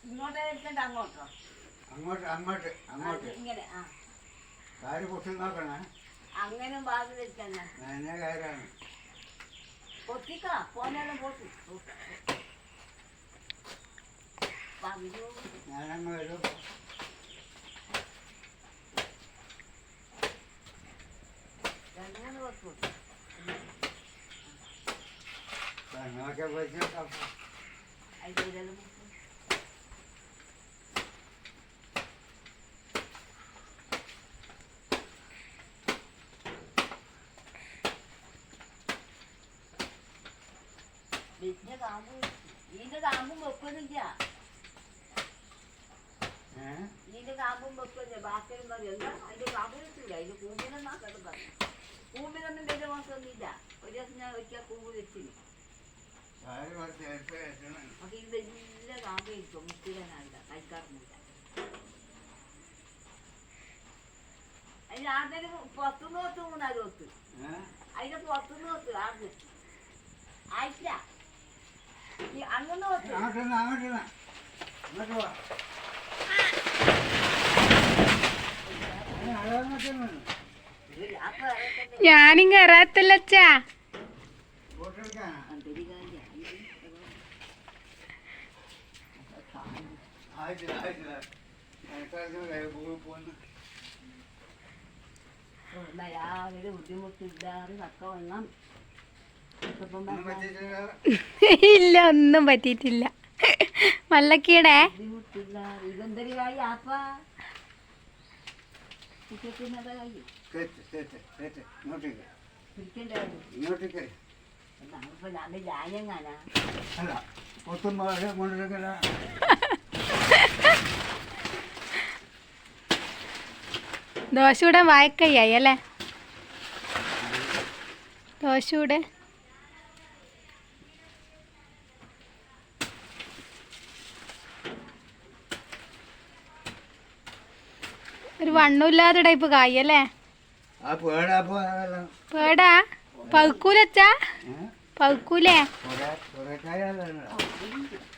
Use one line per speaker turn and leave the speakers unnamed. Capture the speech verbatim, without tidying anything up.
അങ്ങോട്ട് അങ്ങോട്ട് അങ്ങോട്ട്
ഇങ്ങനെ ആ
കാര് പൊട്ടി നോക്കണേ.
അങ്ങനെ ബാഗ് വെക്കണ
നനഞ്ഞ കാരാണ്.
പൊട്ടിക്കാ പോനാലും പൊട്ടി
ഞാനങ്ങ് വരും.
രണ്ട് മൂന്ന് പൊട്ടി
നോക്കിയ പൈസ
അതിലെല്ലാം ഇതിന്റെ കാമ്പും ഇതിന്റെ കാമ്പും വെക്കുന്നില്ല. ഇതിന്റെ കാമ്പും വെക്കുന്നില്ല. ബാക്കിയും പറയും എന്താ അതിന്റെ കാമ്പ് വെച്ചില്ല. അതിന്റെ കൂമ്പിനൊന്നാ കേട്ട് പറഞ്ഞു. കൂമ്പിനൊന്നും വലിയ മോശമൊന്നുമില്ല. ഒരു ദിവസം ഞാൻ ഒരിക്കൽ കൂമ്പ് വെച്ചിന്. അപ്പൊ ഇത് വലിയ കാമ്പ് ഇരിക്കും. മുട്ടിക്കാനാവില്ല, കഴിക്കാറൊന്നുമില്ല. അതിന് ആദ്യം പുറത്തുനിന്ന് വെത്ത് മൂന്നാല് വെത്ത് അതിന്റെ പുറത്തുനിന്ന് വെത്ത് ആദ്യം ആയിട്ടില്ല.
ഞാനും കയറാത്തല്ലച്ചാ.
രാവിലെ ബുദ്ധിമുട്ടില്ലാതെ ചക്ക വന്നാൽ
ഇല്ല, ഒന്നും പറ്റിയിട്ടില്ല. മല്ലക്കീടെ ദോശ കൂടെ വായക്കയ്യായി അല്ലേ? ദോശ കൂടെ ഒരു വണ്ണമില്ലാത്ത ടൈപ്പ് കായ് അല്ലേ? പേടാ പഴുക്കൂലച്ചാ? പഴുക്കൂലേ?